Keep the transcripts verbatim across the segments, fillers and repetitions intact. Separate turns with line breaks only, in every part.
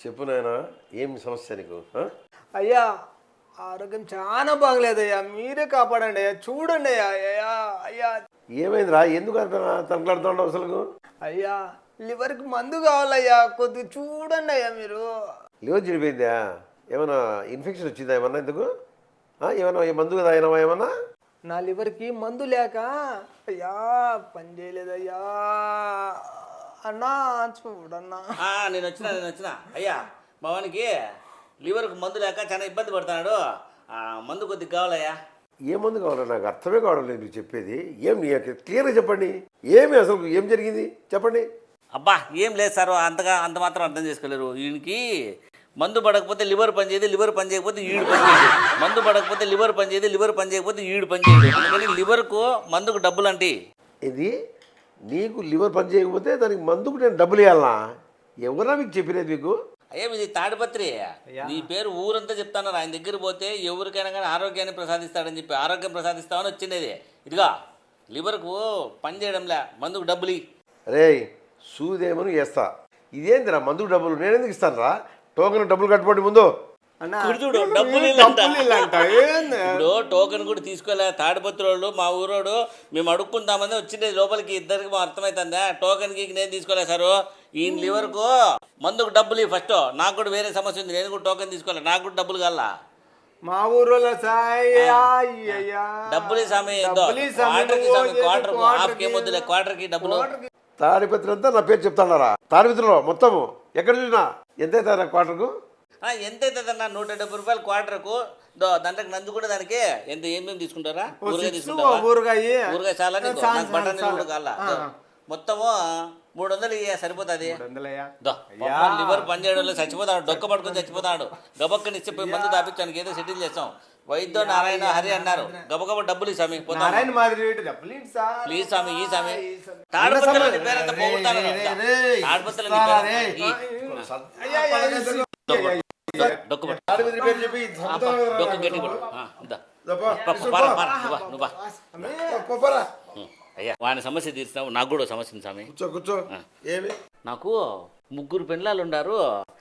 చెప్పు నాయనా, ఏం సమస్య నీకు? ఆ?
అయ్యా ఆరోగ్యం చాలా బాగలేదయ్యా, మీరే కాపాడండి అయ్యా, చూడండి అయ్యా. అయ్యా అయ్యా
ఏమైందిరా? ఎందుకు అంత తనకలాడుతున్నావు అసలు?
అయ్యా లివర్కి మందు కావాలయ్యా, కొద్దిగా చూడండి అయ్యా మీరు.
లివర్ చెడిపోయిందా? ఏమైనా ఇన్ఫెక్షన్ వచ్చిందా ఏమన్నా? ఎందుకు ఆ? ఏమన్నా ఈ మందు కదా అయినావా ఏమన్నా?
నా లివర్కి మందు లేక అయ్యా పని చేయలేదయ్యా. అన్నా చూడన్నా.
ఆ, నేను వచ్చిన నేను వచ్చిన అయ్యా, మా వానికి లివర్కి మందు లేక చాలా ఇబ్బంది పడుతున్నాడు. ఆ, మందు కొద్దిగా కావాలయ్యా.
ఏ మందు కావాలో నాకు అర్థమే కావడం లేదు మీరు చెప్పేది. ఏం క్లియర్గా చెప్పండి, ఏమి అసలు ఏం జరిగింది చెప్పండి.
అబ్బా ఏం లేదు సార్, అంతగా అంత మాత్రం అర్థం చేసుకోలేరు. ఈయనకి మందు పడకపోతే లివర్ పని చేయదు, లివర్ పని చేయకపోతే ఈడు పని చేయదు, మందు పడకపోతే లివర్ పని చేయదు, లివర్ పని చేయకపోతే ఈడు పని చేయదు. అందుకని లివర్కు మందుకు డబ్బులు అంటే
ఇది నీకు లివర్ పని చేయకపోతే దానికి మందుకు నేను డబ్బులు ఇవ్వాలనా? ఎవరా మీకు చెప్పినది మీకు?
అయ్యా ఇది తాడిపత్రి, నీ పేరు ఊరంతా చెప్తాను. ఆయన దగ్గర పోతే ఎవరికైనా కానీ ఆరోగ్యాన్ని ప్రసాదిస్తాడని చెప్పి ఆరోగ్యం ప్రసాదిస్తామని వచ్చిండేది. ఇదిగా లివర్కు పని చేయడంలే, మందుకు డబ్బులు.
రే సూదేమని వేస్తా, ఇదేందిరా మందుకు డబ్బులు నేను ఎందుకు ఇస్తాను రా? టోకెన్ డబ్బులు కట్టుకోండి ముందు.
చూడు డబ్బులు ఇప్పుడు టోకెన్ కూడా తీసుకోలే. తాడిపత్రి వాళ్ళు మా ఊరోడు మేము అడుక్కుంటామని వచ్చిండే లోపలికి, ఇద్దరికి మా అర్థమవుతుందా? టోకెన్కి నేను తీసుకోలే సారు. ఈయన లివర్కు మందుకు డబ్బులు ఫస్ట్. నాకు కూడా వేరే సమస్య ఉంది, నేను కూడా టోకెన్ తీసుకోలే, నాకు కూడా డబ్బులు కావాలా.
మా ఊర్లో
డబ్బులు సామి క్వార్టర్కి సామి క్వార్టర్ హాఫ్ కే వద్దులే, క్వార్టర్కి డబ్బులు.
తాడిపత్రి అంతా నా పేరు చెప్తాడారా? తాడిపత్రిలో మొత్తము ఎక్కడ చూసినా ఎంత అవుతారా క్వార్టర్కు?
ఎంత అవుతుందన్నా? నూట డెబ్బై రూపాయలు క్వార్టర్కు. దాంట్లోకి నందు కూడా దానికి ఎంత ఏమేమి తీసుకుంటారా? ఊరగాయ తీసుకుంటారా?
ఊరగాయ
ఊరగాయ చాలా, బటర్ కూడా కావాలా. మొత్తము మూడు వందలు ఇయ్య సరిపోతుంది. లివర్ పని చేయడంలో చచ్చిపోతాడు, డొక్క పట్టుకొని చచ్చిపోతాడు. గబక్కని ఇచ్చే పోయి మందు తాపించానికి ఏదో సెటిల్ చేస్తాం. వైద్య నారాయణ హరి అన్నారు, గబగబ డబ్బులు ఈ స్వామి ప్లీజ్ స్వామి ఈ స్వామి. తాడిపత్రిలో నీ పేరంతా పోగొట్టాను. తాడిపత్రిలో నీ పేరు డొక్క డొక్క గట్టి అయ్యా. వాని సమస్య తీర్చినావు, నాకు కూడా సమస్య ఉంది స్వామి.
కూర్చో కూర్చో. ఏమి?
నాకు ముగ్గురు పిల్లలు ఉండారు,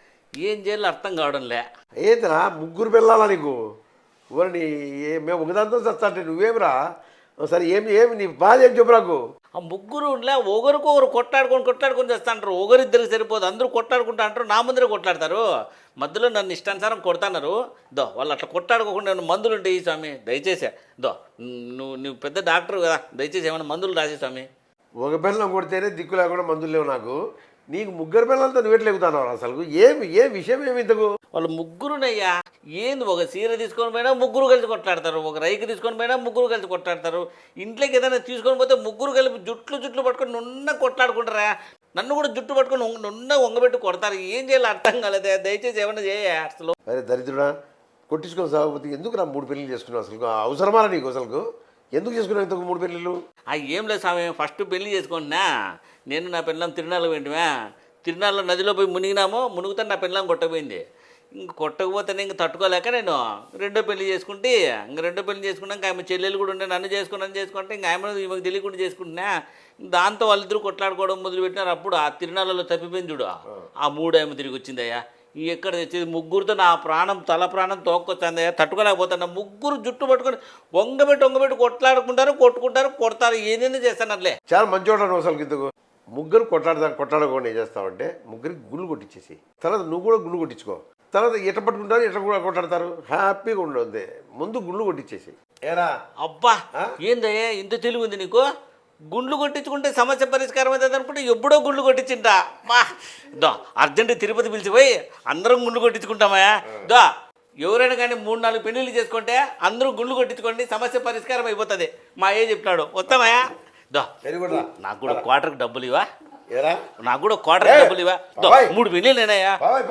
ఏం చేయాలో అర్థం కావడంలే.
ఏంటిరా ముగ్గురు పిల్లలా నీకు? ఊరని మేము ఒకదాంతో చస్తా అంటే నువ్వేమిరా? సరే ఏమి ఏమి నీ బాధ ఏం చెప్పు నాకు.
ఆ ముగ్గురు ఉండలే, ఒకరికి ఒకరు కొట్లాడుకొని కొట్లాడుకొని చేస్తా అంటారు. ఒకరిద్దరికి సరిపోదు, అందరూ కొట్లాడుకుంటా అంటారు, నా ముందరే కొట్లాడతారు. మధ్యలో నన్ను ఇష్టానుసారం కొడతాన్నారు. దో వాళ్ళు అట్లా కొట్లాడుకోకుండా నేను మందులు ఉంటాయి స్వామి దయచేసి. దో నువ్వు నువ్వు పెద్ద డాక్టర్ కదా, దయచేసి ఏమైనా మందులు రాసే స్వామి.
ఒక పిల్లలు కొడితేనే దిక్కు లేకుండా మందులు లేవు నాకు. నీకు ముగ్గురు పిల్లలతో నువ్వెట్లు ఎగుతాను అసలు? ఏమి ఏ విషయం ఏమి ఇంతకు?
వాళ్ళు ముగ్గురునయ్యా, ఏంది ఒక చీర తీసుకొని పోయినా ముగ్గురు కలిసి కొట్లాడతారు, ఒక రైకి తీసుకొని పోయినా ముగ్గురు కలిసి కొట్లాడతారు. ఇంట్లోకి ఏదైనా తీసుకొని పోతే ముగ్గురు కలిపి జుట్లు జుట్లు పట్టుకొని నున్న కొట్లాడుకుంటారా? నన్ను కూడా జుట్టు పట్టుకొని నున్న వంగబెట్టి కొడతారు. ఏం చేయాలి అర్థం కాలేదే, దయచేసి ఏమన్నా చేయ అసలు.
అరే దరిద్రుడా, కొట్టించుకొని సాగపోతే ఎందుకు నా మూడు పెళ్ళిళ్ళు చేసుకున్నావు? అసలు అవసరమా నీకు? అసలు ఎందుకు చేసుకున్నావు ఇంతకు మూడు పెళ్ళిళ్ళు?
ఆ ఏం లేదు స్వామి, ఫస్ట్ పెళ్లి చేసుకుంటున్నా నేను నా పిల్లం తిరునాళ్ళ వెంటనే. తిరునాళ్ళలో నదిలో పోయి మునిగినాము, మునుగుతాను నా పిల్లం కొట్టకపోయింది. ఇంక కొట్టకపోతేనే ఇంక తట్టుకోలేక నేను రెండో పెళ్లి చేసుకుంటే, ఇంక రెండో పెళ్లి చేసుకున్నాక ఆమె చెల్లెలు కూడా ఉండే, నన్ను చేసుకున్నాను చేసుకుంటే ఇంకా ఆమె ఈమెకు తెలియకుండా చేసుకుంటున్నా. దాంతో వాళ్ళిద్దరూ కొట్లాడుకోవడం మొదలుపెట్టినారు. అప్పుడు ఆ తిరునాళ్ళలో తప్పిపోయింది చూడు, ఆ మూడు ఆమె తిరిగి వచ్చిందయ్యా. ఎక్కడ తెచ్చేది? ముగ్గురితో నా ప్రాణం తల ప్రాణం తోక్కొచ్చిందయ్యా, తట్టుకోలేకపోతున్నా. ముగ్గురు జుట్టు పట్టుకొని వంగబెట్టి వంగబెట్టి కొట్లాడుకుంటారు, కొట్టుకుంటారు, కొడతారు, ఏదైనా చేస్తానట్లే.
చాలా మంచివాడు అసలు. ఇంతకు ముగ్గురు కొట్లాడదా కొట్లాడుకోండి ఏం చేస్తావంటే ముగ్గురికి గుళ్ళు కొట్టించేసి తర్వాత నువ్వు కూడా గుళ్ళు కొట్టించుకో. తర్వాత ఎట్ట పట్టుకుంటారు ఎట్లా కూడా కొట్లాడతారు, హ్యాపీగా ఉండదు. ముందు గుళ్ళు కొట్టించేసి. ఏరా
అబ్బా ఏందయ్యా ఇంత తెలివి ఉంది నీకు? గుండ్లు కొట్టించుకుంటే సమస్య పరిష్కారం అవుతుంది అనుకుంటే ఎప్పుడో గుండ్లు కొట్టించింటా. బా దో అర్జెంట్ తిరుపతి పిలిచిపోయి అందరం గుండ్లు కొట్టించుకుంటామా? దో ఎవరైనా కానీ మూడు నాలుగు పెళ్ళిళ్ళు చేసుకుంటే అందరూ గుండ్లు కొట్టించుకోండి, సమస్య పరిష్కారం అయిపోతుంది. మా ఏ చెప్పినాడు, వస్తామయ్యా. దో నాకు కూడా క్వార్టర్కి డబ్బులు ఇవా, నాకు కూడా క్వార్టర్కి డబ్బులు ఇవా. దో మూడు పెళ్ళిళ్ళు నేనయ్యా,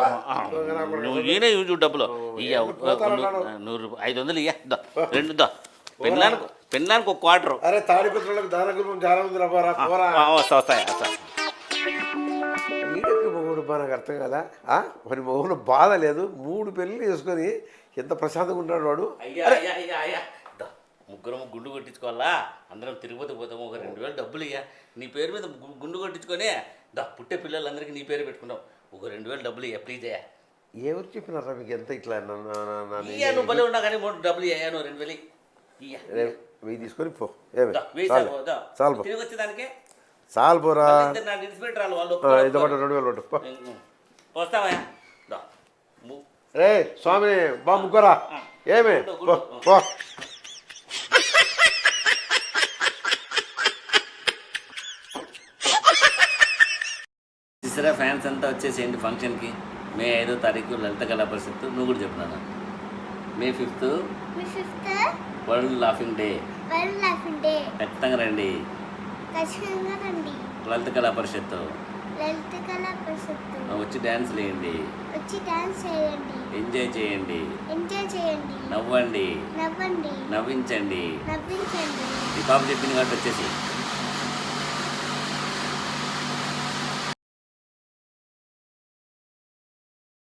నువ్వు ఈయన చూడు డబ్బులు ఇయ్య. నూరు ఐదు వందలు ఇయ్యా. దో రెండు దో పెళ్ళానికి పెళ్ళానికి ఒక క్వార్టర్.
అరే తాడిపత్రులకు దానగురు చాలా ఉంది.
వస్తా వస్తాయి వస్తా.
ఈడెక్కి మొగుడు బా నాకు అర్థం కదా. మరి మొగుడు బాధ లేదు, మూడు పెళ్ళి చేసుకొని ఎంత ప్రశాంతంగా ఉంటాడు వాడు.
అయ్యా అయ్యా అయ్యా అయ్యా ముగ్గురం గుండు కొట్టించుకోవాలా, అందరం తిరుపతి పోతాము, ఒక రెండు వేలు డబ్బులు ఇయ్యా. నీ పేరు మీద గుండు కొట్టించుకొని దా పుట్టే పిల్లలందరికీ నీ పేరు పెట్టుకున్నావు, ఒక రెండు వేలు డబ్బులు ఇయ్యా ప్లీజ్ అయ్యా.
ఎవరు చెప్పినారా మీకు ఎంత ఇట్లా నన్ను- నన్ను- నన్ను-
ఇయ్యా నువ్వు భలే ఉన్నా కానీ మూడు డబ్బులు ఇయ్యా నువ్వు రెండు వేలు ఇయ్యా
రేపు వెయ్యి తీసుకొని పో ఏమి
వెయ్యి
చాలు
సార్ దా.
చాలు పో
తిరిగి వచ్చేదానికి
చాలు పోరా
ఇద్దరు నాకు ఇన్స్పెక్టర్ రాళ్ళు వాళ్ళు
ఆ,
ఒప్పుకోరు.
ఇదో పట్టు రెండు వేలు పట్టు పో
వస్తావా దా. ము-
రే స్వామి బా ముగ్గురా ఏమి పో పో
చూసారా ఫ్యాన్స్ అంతా వచ్చేసేయండి ఫంక్షన్కి మే ఐదో తారీఖు లలిత కళా పరిషత్తు నువ్వు కూడా చెప్తున్నాను మే ఫిఫ్త్
మీ fifth
world laughing day
world laughing day
ఖచ్చితంగా రండి
ఖచ్చితంగా రండి.
లలిత కళా పరిషత్తు
లలిత కళా పరిషత్తు
వచ్చి డ్యాన్స్ వేయండి
వచ్చి డాన్స్ చేయండి,
ఎంజాయ్ చేయండి
ఎంజాయ్ చేయండి,
నవ్వండి
నవ్వండి,
నవ్వించండి
నవ్వించండి.
ఈ పాప చెప్పింది కాబట్టి వచ్చేసి